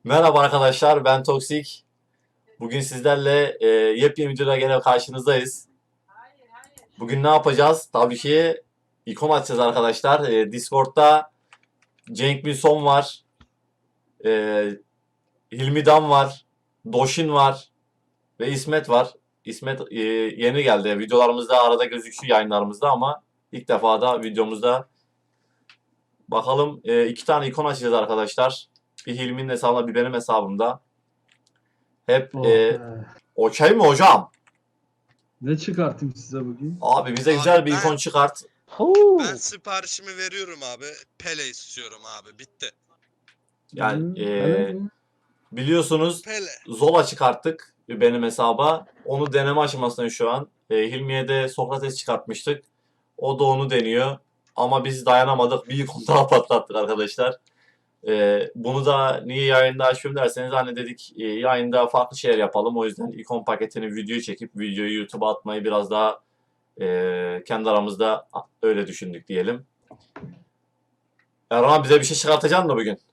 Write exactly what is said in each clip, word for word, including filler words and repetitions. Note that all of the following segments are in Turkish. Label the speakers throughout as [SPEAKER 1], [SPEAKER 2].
[SPEAKER 1] Merhaba arkadaşlar, ben Toksik. Bugün sizlerle e, yepyeni videoda gene karşınızdayız. Bugün ne yapacağız? Tabii ki ikon açacağız arkadaşlar. E, Discord'da Cenk Milson var, e, Hilmi Dam var, Doşin var ve İsmet var. İsmet e, yeni geldi. Videolarımızda arada gözüküyor, yayınlarımızda, ama ilk defa da videomuzda. Bakalım, e, iki tane ikon açacağız arkadaşlar. Bir Hilmi'nin hesabında, bir benim hesabımda. Hep
[SPEAKER 2] Oh
[SPEAKER 1] e,
[SPEAKER 2] be.
[SPEAKER 1] okey mi hocam?
[SPEAKER 2] Ne çıkartayım size bugün?
[SPEAKER 1] Abi bize
[SPEAKER 3] Abi
[SPEAKER 1] güzel bir
[SPEAKER 3] ben-
[SPEAKER 1] ikon çıkart.
[SPEAKER 4] Huu.
[SPEAKER 3] Ben siparişimi veriyorum abi. Pele istiyorum abi. Bitti.
[SPEAKER 1] Yani
[SPEAKER 2] Hı,
[SPEAKER 1] e,
[SPEAKER 2] öyle mi?
[SPEAKER 1] biliyorsunuz
[SPEAKER 3] Pele.
[SPEAKER 1] Zola çıkarttık benim hesaba. Onu deneme aşamasındayım şu an. E, Hilmi'ye de Sokrates çıkartmıştık. O da onu deniyor. Ama biz dayanamadık. Bir ikon daha patlattık arkadaşlar. E, bunu da niye yayında açıyorum derseniz, hani dedik e, yayında farklı şeyler yapalım. O yüzden ikon paketini videoyu çekip videoyu YouTube'a atmayı biraz daha e, kendi aramızda öyle düşündük diyelim. Erhan, bize bir şey çıkartacaksın mı bugün?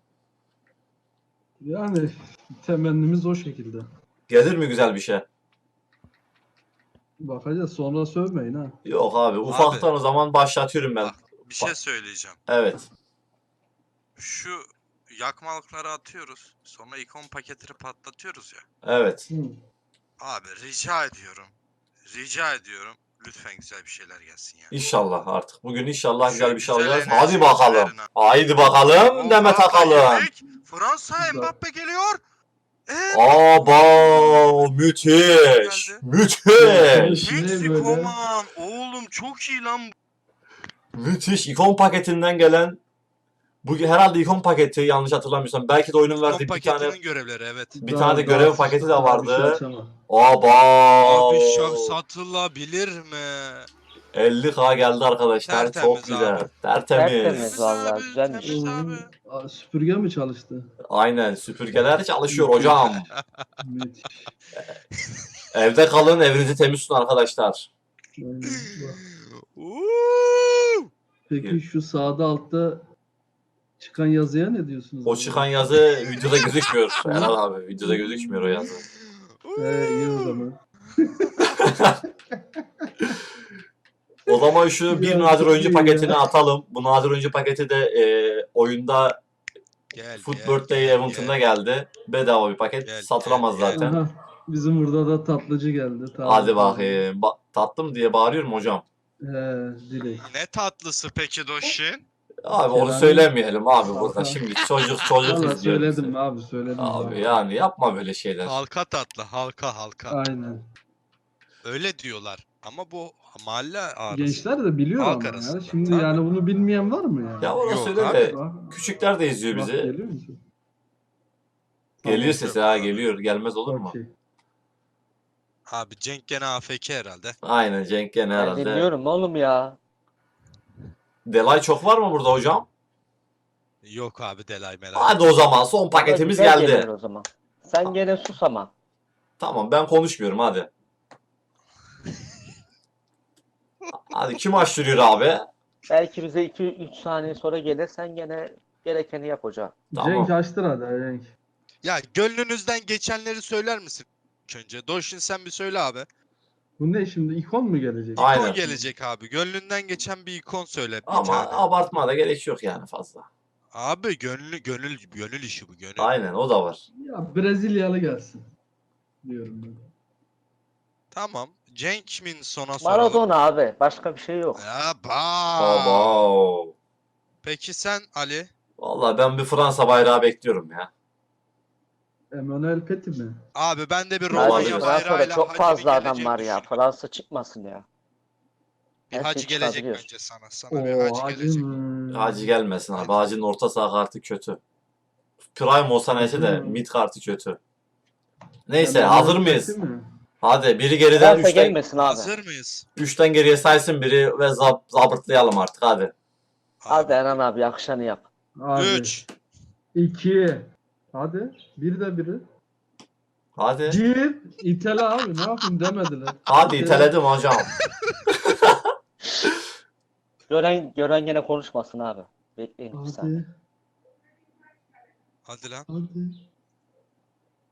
[SPEAKER 2] Yani temennimiz o şekilde.
[SPEAKER 1] Gelir mi güzel bir şey?
[SPEAKER 2] Bakacağız, sonra sövmeyin ha.
[SPEAKER 1] Yok abi, ufaktan o zaman başlatıyorum ben.
[SPEAKER 3] Bak bir şey söyleyeceğim.
[SPEAKER 1] Evet.
[SPEAKER 3] Şu yakmalıkları atıyoruz. Sonra ikon paketini patlatıyoruz ya.
[SPEAKER 1] Evet.
[SPEAKER 2] Hı.
[SPEAKER 3] Abi rica ediyorum. Rica ediyorum. Lütfen güzel bir şeyler gelsin ya.
[SPEAKER 1] İnşallah artık. Bugün inşallah
[SPEAKER 3] Şu
[SPEAKER 1] güzel bir şey
[SPEAKER 3] güzel
[SPEAKER 1] alacağız.
[SPEAKER 3] enerji
[SPEAKER 1] Hadi bakalım.
[SPEAKER 3] verin ha.
[SPEAKER 1] Haydi bakalım.
[SPEAKER 3] Oo,
[SPEAKER 1] Demet
[SPEAKER 3] Fransa
[SPEAKER 1] Akalın.
[SPEAKER 3] yedik. Fransa Mbappe geliyor. Ee,
[SPEAKER 1] Aba, müthiş.
[SPEAKER 3] Geldi.
[SPEAKER 1] Müthiş.
[SPEAKER 2] Ne
[SPEAKER 3] Meksiko
[SPEAKER 2] böyle?
[SPEAKER 3] man. Oğlum çok iyi lan.
[SPEAKER 1] Müthiş. İkon paketinden gelen, bu herhalde ikon paketi, yanlış hatırlamıyorsam. Belki de oyunun
[SPEAKER 3] İkon
[SPEAKER 1] verdiği bir tane
[SPEAKER 3] paketinin görevleri evet.
[SPEAKER 1] bir
[SPEAKER 2] Daha-
[SPEAKER 1] tane de
[SPEAKER 2] daha
[SPEAKER 1] görev
[SPEAKER 2] sıçtık,
[SPEAKER 1] paketi de
[SPEAKER 2] daha bir
[SPEAKER 1] vardı.
[SPEAKER 2] şey açamam.
[SPEAKER 1] Aba.
[SPEAKER 3] Abi şak satılabilir mi?
[SPEAKER 1] elli K geldi arkadaşlar. Çok
[SPEAKER 3] Tertemiz
[SPEAKER 1] güzel.
[SPEAKER 3] abi.
[SPEAKER 1] Tertemiz.
[SPEAKER 4] Tertemiz. Vallahi
[SPEAKER 3] abi,
[SPEAKER 4] güzelmiş.
[SPEAKER 3] temiz
[SPEAKER 2] Oo,
[SPEAKER 3] abi.
[SPEAKER 2] aa, süpürge mi çalıştı?
[SPEAKER 1] Aynen, süpürgeler çalışıyor hocam.
[SPEAKER 2] Müthiş.
[SPEAKER 1] Evde kalın, evinizi temiz tutun arkadaşlar.
[SPEAKER 2] Aynen, bak.
[SPEAKER 3] Uuu.
[SPEAKER 2] Peki şu sağda altta çıkan yazıya ne diyorsunuz?
[SPEAKER 1] O çıkan yazı videoda gözükmüyor. Erhan abi, videoda gözükmüyor o yazı.
[SPEAKER 2] He, iyi o zaman.
[SPEAKER 1] O zaman şu bir
[SPEAKER 2] Ya,
[SPEAKER 1] nadir
[SPEAKER 2] çok
[SPEAKER 1] oyuncu
[SPEAKER 2] iyi
[SPEAKER 1] paketini
[SPEAKER 2] ya.
[SPEAKER 1] atalım. Bu nadir oyuncu paketi de e, oyunda
[SPEAKER 3] Gel,
[SPEAKER 1] Foot
[SPEAKER 3] gel,
[SPEAKER 1] Birthday
[SPEAKER 3] gel,
[SPEAKER 1] event'ında
[SPEAKER 3] gel.
[SPEAKER 1] geldi. Bedava bir paket.
[SPEAKER 3] Gel,
[SPEAKER 1] Satılamaz
[SPEAKER 3] gel, gel.
[SPEAKER 1] zaten.
[SPEAKER 2] Aha, bizim burada da tatlıcı geldi. Tamam,
[SPEAKER 1] Hadi
[SPEAKER 2] tamam.
[SPEAKER 1] bakayım. Ba- tatlım diye bağırıyorum hocam.
[SPEAKER 2] He, direkt.
[SPEAKER 3] Ne tatlısı peki Doşin?
[SPEAKER 1] Abi onu
[SPEAKER 2] Kerane-
[SPEAKER 1] söylemeyelim abi burada.
[SPEAKER 2] Tamam.
[SPEAKER 1] Şimdi çocuk çocuk
[SPEAKER 2] Valla
[SPEAKER 1] izliyor bizi.
[SPEAKER 2] söyledim abi, söyledim.
[SPEAKER 1] Abi
[SPEAKER 2] abi.
[SPEAKER 1] yani yapma böyle şeyler.
[SPEAKER 3] Halka tatlı, halka halka.
[SPEAKER 2] Aynen.
[SPEAKER 3] Öyle diyorlar. Ama bu mahalle arası.
[SPEAKER 2] Gençler de biliyor
[SPEAKER 3] Halk
[SPEAKER 2] ama ya.
[SPEAKER 3] arasında,
[SPEAKER 2] Şimdi
[SPEAKER 3] tabii.
[SPEAKER 2] yani bunu bilmeyen var mı ya?
[SPEAKER 1] Ya orası
[SPEAKER 3] Yok
[SPEAKER 1] öyle
[SPEAKER 3] abi.
[SPEAKER 1] de
[SPEAKER 2] Bak,
[SPEAKER 1] küçükler de izliyor
[SPEAKER 2] bak,
[SPEAKER 1] bizi.
[SPEAKER 2] geliyor musun?
[SPEAKER 1] Geliyor
[SPEAKER 2] Tamam,
[SPEAKER 1] sesi ha, geliyor. Gelmez olur mu?
[SPEAKER 2] okey.
[SPEAKER 3] Abi Cenk gene A F K herhalde.
[SPEAKER 1] Aynen, Cenk gene
[SPEAKER 4] Ben
[SPEAKER 1] herhalde.
[SPEAKER 4] dinliyorum oğlum ya.
[SPEAKER 1] Delay çok var mı burada hocam?
[SPEAKER 3] Yok abi Delay Melay.
[SPEAKER 1] Hadi o zaman son paketimiz
[SPEAKER 4] Güzel
[SPEAKER 1] geldi.
[SPEAKER 4] gelir o zaman. Sen gene sus ama.
[SPEAKER 1] Tamam, ben konuşmuyorum hadi. Hadi kim açtırıyor abi?
[SPEAKER 4] Belki bize iki üç saniye sonra gelir. Sen gene gerekeni yap hocam.
[SPEAKER 1] Tamam.
[SPEAKER 2] Cenk açtır hadi Cenk.
[SPEAKER 3] Ya gönlünüzden geçenleri söyler misin? İlk önce. Doşin sen bir söyle abi.
[SPEAKER 2] Bu ne şimdi, ikon mu gelecek?
[SPEAKER 3] İkon
[SPEAKER 1] Aynen.
[SPEAKER 3] gelecek abi. Gönlünden geçen bir ikon söyle. Bir
[SPEAKER 1] Ama
[SPEAKER 3] tane.
[SPEAKER 1] abartmaya da gerek yok yani fazla.
[SPEAKER 3] Abi gönlü gönül gönül işi bu gönül.
[SPEAKER 1] Aynen, o da var.
[SPEAKER 2] Ya Brezilyalı gelsin. Diyorum ben.
[SPEAKER 3] Tamam. Cenk min sona soralım.
[SPEAKER 4] Maradona abi. Başka bir şey yok.
[SPEAKER 3] Ya ba.
[SPEAKER 1] Baba.
[SPEAKER 3] Peki sen Ali?
[SPEAKER 1] Vallahi ben bir Fransa bayrağı bekliyorum ya.
[SPEAKER 2] Emmanuel Petit mi?
[SPEAKER 3] Abi ben de bir
[SPEAKER 1] Olabilir.
[SPEAKER 3] Romanya
[SPEAKER 4] Fransa'da
[SPEAKER 3] bayrağıyla
[SPEAKER 4] çok
[SPEAKER 3] hacı
[SPEAKER 4] fazla
[SPEAKER 3] bir
[SPEAKER 4] adam
[SPEAKER 3] geleceğini
[SPEAKER 4] var ya.
[SPEAKER 3] düşünüyorum.
[SPEAKER 4] Fransa çıkmasın ya.
[SPEAKER 3] Bir
[SPEAKER 4] Her
[SPEAKER 3] hacı
[SPEAKER 4] şey
[SPEAKER 3] gelecek
[SPEAKER 4] çıkabiliyor.
[SPEAKER 3] bence sana. Sana bir
[SPEAKER 2] Oo,
[SPEAKER 3] hacı
[SPEAKER 2] hacı
[SPEAKER 3] gelecek.
[SPEAKER 2] mı?
[SPEAKER 1] Hacı gelmesin abi. Hacı'nın orta saha kartı kötü. Prime olsa neyse de
[SPEAKER 2] Hmm.
[SPEAKER 1] mid kartı kötü. Neyse,
[SPEAKER 2] Emmanuel
[SPEAKER 1] hazır mıyız?
[SPEAKER 2] Petit mi?
[SPEAKER 1] Hadi biri geriden,
[SPEAKER 4] Fransa
[SPEAKER 1] üçten,
[SPEAKER 4] gelmesin abi.
[SPEAKER 3] Hazır mıyız?
[SPEAKER 1] üçten geriye saysın biri ve zab zabırtlayalım artık hadi.
[SPEAKER 4] Hadi Eren abi yakışanı yap.
[SPEAKER 2] Hadi.
[SPEAKER 3] üç.
[SPEAKER 2] iki. Hadi. Bir de biri.
[SPEAKER 1] Hadi.
[SPEAKER 2] Bir. İtele abi, ne yapayım demediler.
[SPEAKER 1] Hadi
[SPEAKER 2] İtele.
[SPEAKER 1] iteledim hocam.
[SPEAKER 4] Gören gören gene konuşmasın abi. Bekleyin bir saniye.
[SPEAKER 2] Hadi.
[SPEAKER 3] Hadi lan.
[SPEAKER 2] Hadi.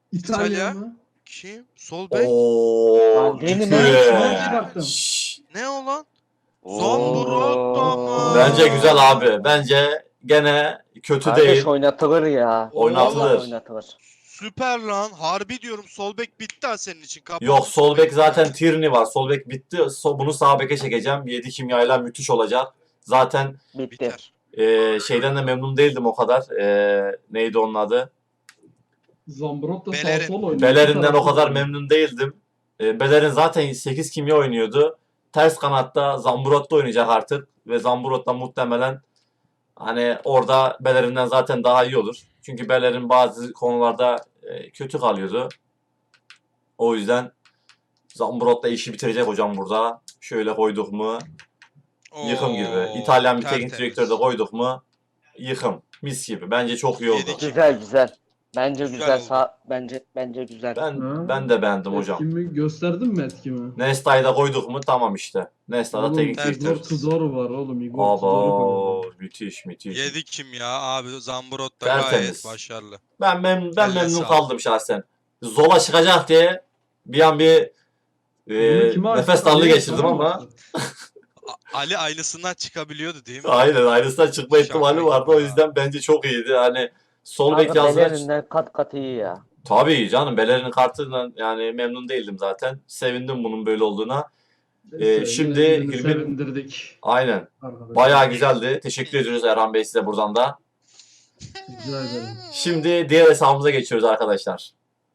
[SPEAKER 2] İtalya
[SPEAKER 3] İtalya.
[SPEAKER 2] mı?
[SPEAKER 3] Kim? Sol bek.
[SPEAKER 1] Oo,
[SPEAKER 4] Lan benim
[SPEAKER 1] ciddi.
[SPEAKER 2] ben çıkarttım.
[SPEAKER 1] Şşş.
[SPEAKER 3] Ne o lan?
[SPEAKER 4] Oo.
[SPEAKER 3] Zambrotta mı?
[SPEAKER 1] Bence güzel abi. Bence gene kötü
[SPEAKER 4] Kardeş
[SPEAKER 1] değil.
[SPEAKER 4] oynatılır ya.
[SPEAKER 1] Oynatılır.
[SPEAKER 4] Vallahi oynatılır.
[SPEAKER 3] Süper lan. Harbi diyorum sol bek bitti ha senin için. Kapattın
[SPEAKER 1] Yok sol bek
[SPEAKER 3] beki.
[SPEAKER 1] zaten Tierney var. Sol bek bitti. So- bunu sağ beke çekeceğim. yedi kimyayla müthiş olacak. Zaten
[SPEAKER 4] Bitti.
[SPEAKER 3] Biter.
[SPEAKER 1] e, şeyden de memnun değildim o kadar. E, neydi onun adı?
[SPEAKER 2] Zambrotta sağ
[SPEAKER 3] Bellerin.
[SPEAKER 2] sol oynuyor.
[SPEAKER 1] Belerin'den o
[SPEAKER 2] İki
[SPEAKER 1] kadar
[SPEAKER 2] tarafta
[SPEAKER 1] memnun değildim. E, Bellerin zaten sekiz kimya oynuyordu. Ters kanatta Zambrotta oynayacak artık. Ve Zambrotta muhtemelen hani orada Bellerin'den zaten daha iyi olur. Çünkü Bellerin bazı konularda e, kötü kalıyordu. O yüzden Zambrotta işi bitirecek hocam burada. Şöyle koyduk mu? Yıkım gibi.
[SPEAKER 3] Oo,
[SPEAKER 1] İtalyan bir teknik
[SPEAKER 3] tertemiz.
[SPEAKER 1] direktörü de koyduk mu? Yıkım. Mis gibi. Bence çok iyi oldu.
[SPEAKER 3] Yedik.
[SPEAKER 4] Güzel güzel. Bence
[SPEAKER 3] Güzel
[SPEAKER 4] güzel,
[SPEAKER 3] oldu.
[SPEAKER 4] sağ bence bence güzel.
[SPEAKER 1] Ben
[SPEAKER 2] Ha?
[SPEAKER 1] ben de beğendim hocam.
[SPEAKER 2] Etkimi gösterdin mi etkimi?
[SPEAKER 1] Nesta'yı da koyduk mu? Tamam işte. Nesta da
[SPEAKER 2] Oğlum
[SPEAKER 1] teknik
[SPEAKER 3] tertemiz.
[SPEAKER 2] Igor
[SPEAKER 1] direktör.
[SPEAKER 2] Tudor var oğlum. Igor Tudor'u
[SPEAKER 1] Abo
[SPEAKER 2] koyalım.
[SPEAKER 1] müthiş müthiş.
[SPEAKER 3] Yedik kim ya abi? Zambrotta
[SPEAKER 1] Tertemiz.
[SPEAKER 3] gayet başarılı.
[SPEAKER 1] Ben mem ben
[SPEAKER 3] Elle
[SPEAKER 1] memnun
[SPEAKER 3] sağlık.
[SPEAKER 1] kaldım şahsen. Zola çıkacak diye bir an bir e,
[SPEAKER 2] Bunu kime
[SPEAKER 1] nefes
[SPEAKER 2] açtı?
[SPEAKER 1] darlığı
[SPEAKER 2] Ali'ye
[SPEAKER 1] geçirdim
[SPEAKER 2] sana mı
[SPEAKER 1] ama
[SPEAKER 2] açtı?
[SPEAKER 3] A- Ali aynısından çıkabiliyordu değil mi?
[SPEAKER 1] aynen aynısından çıkma
[SPEAKER 3] Şaka
[SPEAKER 1] ihtimali
[SPEAKER 3] gibi
[SPEAKER 1] vardı. O
[SPEAKER 3] ya.
[SPEAKER 1] yüzden bence çok iyiydi. Hani sol
[SPEAKER 4] Abi
[SPEAKER 1] bek yazdılar.
[SPEAKER 4] Bellerin'den kat kat iyi ya.
[SPEAKER 1] Tabii canım Bellerin kartından yani memnun değildim zaten. Sevindim bunun böyle olduğuna.
[SPEAKER 2] Neyse,
[SPEAKER 1] şimdi
[SPEAKER 2] yine birini
[SPEAKER 1] Hilmi-
[SPEAKER 2] sevindirdik.
[SPEAKER 1] Aynen.
[SPEAKER 2] Arkadaşlar.
[SPEAKER 1] Bayağı güzeldi. Teşekkür ediyoruz Erhan Bey size buradan da.
[SPEAKER 2] Rica ederim.
[SPEAKER 1] Şimdi diğer hesabımıza geçiyoruz arkadaşlar.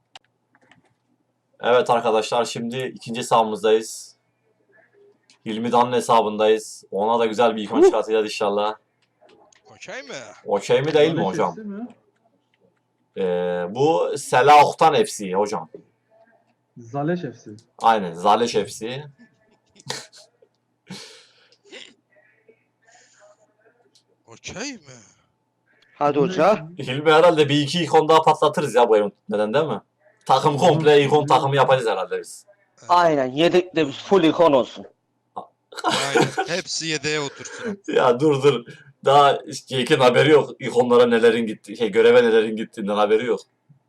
[SPEAKER 1] Evet arkadaşlar şimdi ikinci hesabımızdayız. Hilmi Dan'ın hesabındayız. Ona da güzel bir ikon çıkartacağız inşallah.
[SPEAKER 3] Okey mi?
[SPEAKER 1] Okey mi değil mi
[SPEAKER 2] Zalek
[SPEAKER 1] hocam?
[SPEAKER 2] F C mi?
[SPEAKER 1] Ee, bu Selahok'tan F C hocam.
[SPEAKER 2] Zaleş F C.
[SPEAKER 1] Aynen Zaleş F C.
[SPEAKER 3] Okey mi?
[SPEAKER 4] Hadi hoca.
[SPEAKER 1] Hilmi herhalde bir iki ikon daha patlatırız ya bu evin. Neden değil mi? Takım komple ikon takımı yapacağız herhalde biz.
[SPEAKER 4] Aynen yedekte biz full ikon olsun.
[SPEAKER 3] Aynen. Hepsi yedeğe otursun.
[SPEAKER 1] Ya dur dur. Daha Jake'in haberi yok. İkonlara nelerin gitti, şey göreve nelerin gittiğinden haberi yok.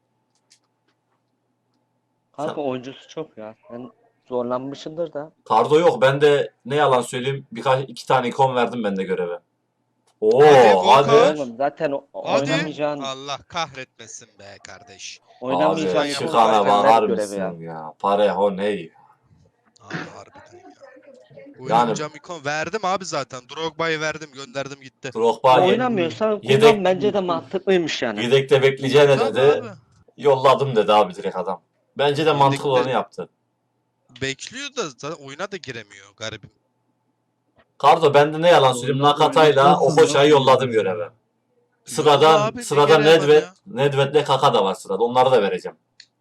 [SPEAKER 4] Kanka oyuncusu çok ya. Sen zorlanmışsındır da.
[SPEAKER 1] Kardo yok. Ben de ne yalan söyleyeyim birkaç iki tane ikon verdim ben de göreve. Oo
[SPEAKER 3] Hadi,
[SPEAKER 1] hadi.
[SPEAKER 3] Volkan.
[SPEAKER 4] Oğlum zaten o-
[SPEAKER 3] Hadi.
[SPEAKER 4] oynamayacağın
[SPEAKER 3] Allah kahretmesin be kardeş.
[SPEAKER 4] oynamayacağın
[SPEAKER 1] Abi
[SPEAKER 3] ikon
[SPEAKER 1] çıkana
[SPEAKER 3] zaten
[SPEAKER 1] bakar
[SPEAKER 4] ver görevi ya.
[SPEAKER 1] mısın ya? Pareho ne?
[SPEAKER 3] Abi harbiden ya.
[SPEAKER 1] Yani-
[SPEAKER 3] Oynayacağım ikon verdim abi zaten. Drogba'yı verdim gönderdim gitti.
[SPEAKER 1] Drogba ye-
[SPEAKER 4] oynamıyorsan
[SPEAKER 1] yedek-
[SPEAKER 4] kullan bence de mantıklıymış yani.
[SPEAKER 1] yedekte bekleyeceğine
[SPEAKER 3] Tabii
[SPEAKER 1] dedi.
[SPEAKER 3] abi.
[SPEAKER 1] Yolladım dedi abi direkt adam. Bence de mantıklı
[SPEAKER 3] Yedekte-
[SPEAKER 1] olanı yaptı.
[SPEAKER 3] Bekliyor da zaten oyuna da giremiyor garibim.
[SPEAKER 1] Kardo ben de ne yalan söyleyeyim
[SPEAKER 2] Oyuna-
[SPEAKER 1] Nakata'yla
[SPEAKER 2] oynatmazsın
[SPEAKER 1] Okoça'yı
[SPEAKER 2] lan.
[SPEAKER 1] yolladım göreve.
[SPEAKER 3] Yolla
[SPEAKER 1] Sırada
[SPEAKER 3] abi, ne
[SPEAKER 1] sırada
[SPEAKER 3] gereği var
[SPEAKER 1] Nedved,
[SPEAKER 3] ya?
[SPEAKER 1] Nedved'le Kaka da var sırada. Onları da vereceğim.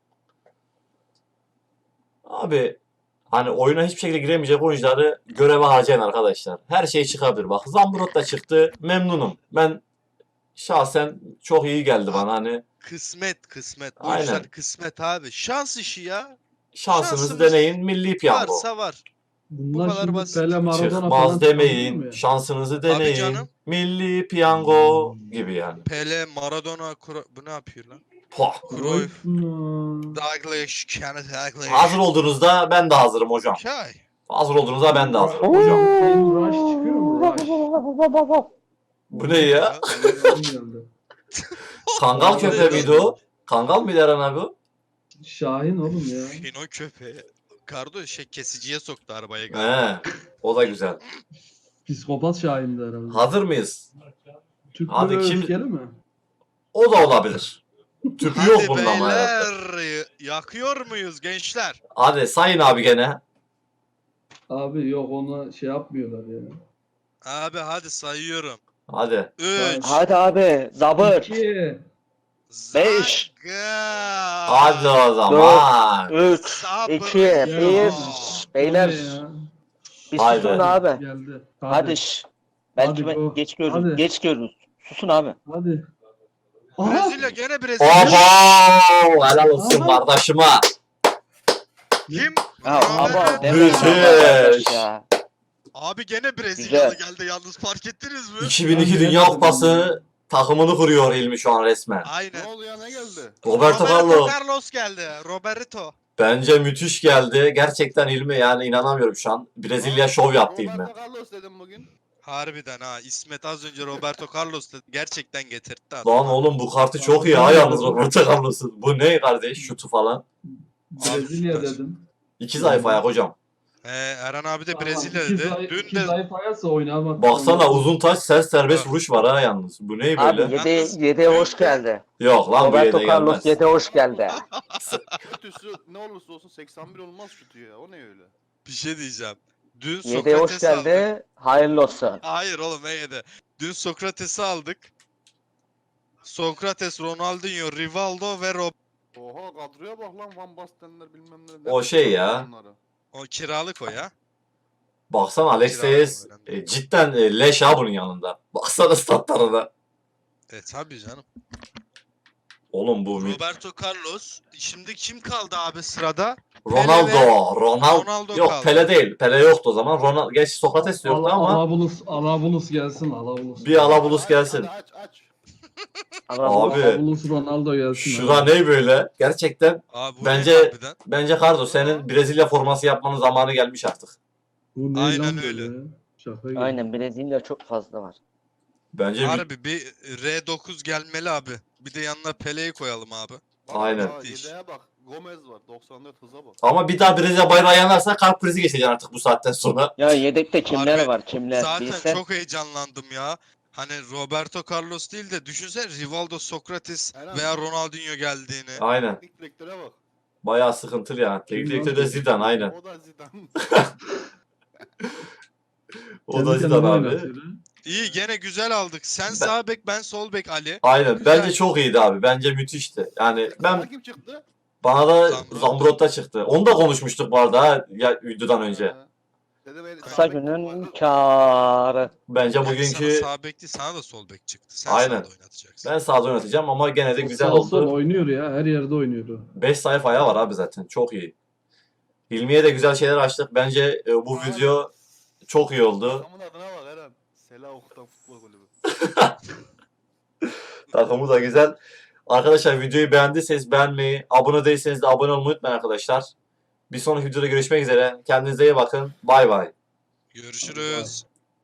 [SPEAKER 1] Abi hani oyuna hiçbir şekilde giremeyecek oyuncuları göreve harcayın arkadaşlar. Her şey çıkabilir. Bak Zambrot da çıktı. Memnunum. Ben şahsen çok iyi geldi bana hani.
[SPEAKER 3] Kısmet kısmet. Bu
[SPEAKER 1] Aynen.
[SPEAKER 3] işler kısmet abi. Şans işi ya.
[SPEAKER 1] Şansınızı
[SPEAKER 3] Şansımız
[SPEAKER 1] deneyin. Milli piyango.
[SPEAKER 3] Varsa var.
[SPEAKER 2] Bunlar
[SPEAKER 3] kadar
[SPEAKER 2] şimdi
[SPEAKER 3] basit.
[SPEAKER 2] Pele Maradona falan
[SPEAKER 1] Çıkmaz
[SPEAKER 2] çıkabiliyor
[SPEAKER 1] demeyin.
[SPEAKER 2] mu ya?
[SPEAKER 1] Şansınızı
[SPEAKER 3] Tabii
[SPEAKER 1] deneyin.
[SPEAKER 3] canım.
[SPEAKER 1] Milli piyango gibi yani.
[SPEAKER 3] Pele, Maradona, Kro- bu ne yapıyor lan?
[SPEAKER 1] Pah.
[SPEAKER 3] Cruyff,
[SPEAKER 2] Hmm.
[SPEAKER 3] Dalglish, Kenneth Dalglish.
[SPEAKER 1] Hazır olduğunuzda ben de hazırım hocam.
[SPEAKER 3] Okay.
[SPEAKER 1] Hazır olduğunuzda ben de hazırım hocam.
[SPEAKER 2] Shane Rush çıkıyor mu? Rush.
[SPEAKER 1] Bu ne ya?
[SPEAKER 2] Adam geldi.
[SPEAKER 1] Kangal
[SPEAKER 3] O
[SPEAKER 1] köpeği
[SPEAKER 3] neydi?
[SPEAKER 1] miydi o? Kangal mıydı Eren abi o?
[SPEAKER 2] Şahin oğlum ya.
[SPEAKER 3] Fino köpeği. Kardo şey kesiciye soktu arabaya galiba.
[SPEAKER 1] He. O da güzel.
[SPEAKER 2] Psikopat Şahin'di herhalde.
[SPEAKER 1] Hazır mıyız?
[SPEAKER 2] Türk
[SPEAKER 1] Hadi
[SPEAKER 2] böyle
[SPEAKER 1] kim-
[SPEAKER 2] öfkeli mi?
[SPEAKER 1] O da olabilir. Tüpü yok
[SPEAKER 3] Hadi
[SPEAKER 1] bunda ama herhalde.
[SPEAKER 3] beyler. Yakıyor muyuz gençler?
[SPEAKER 1] Hadi sayın abi gene.
[SPEAKER 2] Abi yok ona şey yapmıyorlar ya.
[SPEAKER 3] Abi hadi sayıyorum.
[SPEAKER 1] Hadi.
[SPEAKER 3] üç.
[SPEAKER 4] Hadi abi zabır.
[SPEAKER 2] İki.
[SPEAKER 4] Beş.
[SPEAKER 3] Zaga.
[SPEAKER 1] Hadi o zaman.
[SPEAKER 4] üç,
[SPEAKER 3] Sabır.
[SPEAKER 4] iki,
[SPEAKER 2] Ya.
[SPEAKER 4] bir. Beyler
[SPEAKER 2] O ne ya?
[SPEAKER 4] bir
[SPEAKER 1] Haydi.
[SPEAKER 4] susun abi.
[SPEAKER 2] Geldi.
[SPEAKER 4] Hadi şş. Belki
[SPEAKER 2] Hadi
[SPEAKER 4] ben
[SPEAKER 2] go.
[SPEAKER 4] geç görürüz.
[SPEAKER 2] Hadi.
[SPEAKER 4] Geç görürüz. Susun abi.
[SPEAKER 2] Hadi. Aha.
[SPEAKER 3] Brezilya gene Brezilya.
[SPEAKER 1] Oho! Helal olsun
[SPEAKER 2] Aha.
[SPEAKER 1] kardeşime.
[SPEAKER 3] Kim?
[SPEAKER 4] Ya
[SPEAKER 3] Ronaldo.
[SPEAKER 4] ama deme
[SPEAKER 1] Müthiş.
[SPEAKER 4] arkadaş ya.
[SPEAKER 3] Abi gene Brezilyalı
[SPEAKER 4] Güzel.
[SPEAKER 3] geldi yalnız fark ettiniz mi?
[SPEAKER 1] iki bin iki
[SPEAKER 2] Ben
[SPEAKER 1] Dünya
[SPEAKER 2] bilemedim
[SPEAKER 1] Kupası takımını kuruyor İlmi şu an resmen.
[SPEAKER 3] Aynen.
[SPEAKER 5] Ne oldu ya, ne geldi?
[SPEAKER 1] Roberto Carlos.
[SPEAKER 3] Carlos geldi. Roberto.
[SPEAKER 1] Bence müthiş geldi. Gerçekten İlmi yani inanamıyorum şu an. Brezilya şov yaptı İlmi.
[SPEAKER 5] Roberto Carlos dedim bugün.
[SPEAKER 3] Harbiden ha. İsmet az önce Roberto Carlos dedi. Gerçekten getirdi.
[SPEAKER 1] Lan oğlum bu kartı çok iyi ha yalnız Roberto Carlos'un. Bu ne kardeş şutu falan.
[SPEAKER 2] Brezilya
[SPEAKER 3] süper.
[SPEAKER 2] dedim.
[SPEAKER 1] İki zayıf ayak hocam.
[SPEAKER 3] Ee, Eren abi de
[SPEAKER 2] Tamam,
[SPEAKER 3] Brezilya
[SPEAKER 2] iki
[SPEAKER 3] dedi.
[SPEAKER 2] zayıf-
[SPEAKER 3] Dün
[SPEAKER 2] iki
[SPEAKER 3] de
[SPEAKER 2] zayıf ayarsa oynamaz.
[SPEAKER 1] Baksana uzun taç sert serbest
[SPEAKER 3] Evet.
[SPEAKER 1] vuruş var ha yalnız. Bu ne
[SPEAKER 4] Abi
[SPEAKER 1] böyle?
[SPEAKER 4] yedi,
[SPEAKER 3] Yalnız-
[SPEAKER 4] yedi hoş geldi.
[SPEAKER 1] Yok lan bu
[SPEAKER 4] Roberto
[SPEAKER 1] yede
[SPEAKER 4] Carlos
[SPEAKER 1] gelmez.
[SPEAKER 4] yedi hoş geldi.
[SPEAKER 5] Kötüsü ne olursa olsun seksen bir olmaz şutu ya. O ne öyle?
[SPEAKER 3] bir şey diyeceğim. Dün
[SPEAKER 4] yedi hoş
[SPEAKER 3] Sokrates'i aldık.
[SPEAKER 4] geldi. Hayırlı olsun.
[SPEAKER 3] Hayır oğlum ne yedi? Dün Sokrates'i aldık. Sokrates, Ronaldinho, Rivaldo ve Rob.
[SPEAKER 5] Oha kadroya bak lan, Van Bastenler bilmem ne.
[SPEAKER 1] O şey ya.
[SPEAKER 5] Bunları.
[SPEAKER 3] O kiralık o ya.
[SPEAKER 1] Baksana Alexis
[SPEAKER 3] Kiralık
[SPEAKER 1] e, cidden e, leş ha bunun yanında. Baksana statlarına.
[SPEAKER 3] E tabii canım.
[SPEAKER 1] Oğlum bu mi-
[SPEAKER 3] Roberto Carlos. Şimdi kim kaldı abi sırada?
[SPEAKER 1] Ronaldo.
[SPEAKER 3] Pele ve-
[SPEAKER 1] Ronaldo.
[SPEAKER 3] Ronaldo
[SPEAKER 1] Yok
[SPEAKER 3] kaldı.
[SPEAKER 1] Pele değil. Pele yoktu o zaman. Ronaldo. Gerçi Sokrates de yoktu
[SPEAKER 2] Ala-
[SPEAKER 1] ama
[SPEAKER 2] Alabulus, Alabulus gelsin Alabulus.
[SPEAKER 1] bir Alabulus
[SPEAKER 5] Aç,
[SPEAKER 1] gelsin.
[SPEAKER 5] Hadi aç aç.
[SPEAKER 1] Abi.
[SPEAKER 2] Alabulus Ronaldo gelsin.
[SPEAKER 1] Şura
[SPEAKER 2] abi.
[SPEAKER 1] ne böyle? Gerçekten
[SPEAKER 3] Abi bu
[SPEAKER 1] Bence-
[SPEAKER 3] ne harbiden?
[SPEAKER 1] bence Cardo senin Brezilya forması yapmanın zamanı gelmiş artık.
[SPEAKER 2] Bu ne
[SPEAKER 3] Aynen
[SPEAKER 2] lan
[SPEAKER 3] öyle.
[SPEAKER 2] böyle ya? Şaka gibi.
[SPEAKER 4] Aynen Brezilya çok fazla var.
[SPEAKER 1] Bence bir-
[SPEAKER 3] Harbi bir R dokuz gelmeli abi. Bir de yanına Pele'yi koyalım abi.
[SPEAKER 5] Bak,
[SPEAKER 1] Aynen.
[SPEAKER 5] daha
[SPEAKER 3] İş.
[SPEAKER 5] yedeğe bak. Gomez var. doksan dört hıza bak.
[SPEAKER 1] ama bir daha Brezilya bayrağı yanarsa kalp krizi geçeceksin artık bu saatten sonra.
[SPEAKER 4] Ya yedekte kimler
[SPEAKER 3] Harbi,
[SPEAKER 4] var kimler?
[SPEAKER 3] Zaten
[SPEAKER 4] Bilsen.
[SPEAKER 3] çok heyecanlandım ya. Hani Roberto Carlos değil de düşünsene Rivaldo, Sokrates
[SPEAKER 5] Eren.
[SPEAKER 3] veya Ronaldinho geldiğini.
[SPEAKER 1] Aynen.
[SPEAKER 5] Teknik direktöre bak.
[SPEAKER 1] Bayağı sıkıntılı ya. Teknik direktör de Zidane aynen.
[SPEAKER 5] O da Zidane.
[SPEAKER 1] O
[SPEAKER 2] Kendi
[SPEAKER 1] da
[SPEAKER 2] kendine
[SPEAKER 1] Zidane abi.
[SPEAKER 2] oynatıyor ha.
[SPEAKER 3] İyi gene güzel aldık. Sen sağ bek ben sol bek Ali.
[SPEAKER 1] Aynen.
[SPEAKER 3] Güzel.
[SPEAKER 1] Bence çok iyiydi abi. Bence müthişti. Yani
[SPEAKER 5] Sana
[SPEAKER 1] ben
[SPEAKER 5] kim çıktı?
[SPEAKER 1] bana da
[SPEAKER 3] Zambrot.
[SPEAKER 1] Zambrot'ta çıktı. Onu da konuşmuştuk bu arada ha, ya videodan önce.
[SPEAKER 5] Ee, dedim, el-
[SPEAKER 4] Kısa
[SPEAKER 5] sağ bek
[SPEAKER 4] günün
[SPEAKER 5] var.
[SPEAKER 4] kârı.
[SPEAKER 1] Bence
[SPEAKER 3] Yani
[SPEAKER 1] bugünkü
[SPEAKER 3] sana sağ bek değil sana da sol bek çıktı. Sen
[SPEAKER 1] Aynen.
[SPEAKER 3] sağda oynatacaksın.
[SPEAKER 1] ben sağda oynatacağım ama gene de
[SPEAKER 2] O
[SPEAKER 1] güzel
[SPEAKER 2] sağ sol
[SPEAKER 1] oldu.
[SPEAKER 2] oynuyor ya. Her yerde oynuyor o.
[SPEAKER 1] beş sayfa ayağı var abi zaten. Çok iyi. İlmiye de güzel şeyler açtık. Bence e, bu
[SPEAKER 5] Aynen.
[SPEAKER 1] video çok iyi oldu.
[SPEAKER 5] Adamın adına bak Eren. Sela Okutan Futbol Kulübü.
[SPEAKER 1] Takımı da güzel. Arkadaşlar videoyu beğendiyseniz beğenmeyi, abone değilseniz de abone olmayı unutmayın arkadaşlar. Bir sonraki videoda görüşmek üzere. Kendinize iyi bakın. Bay bay.
[SPEAKER 3] Görüşürüz.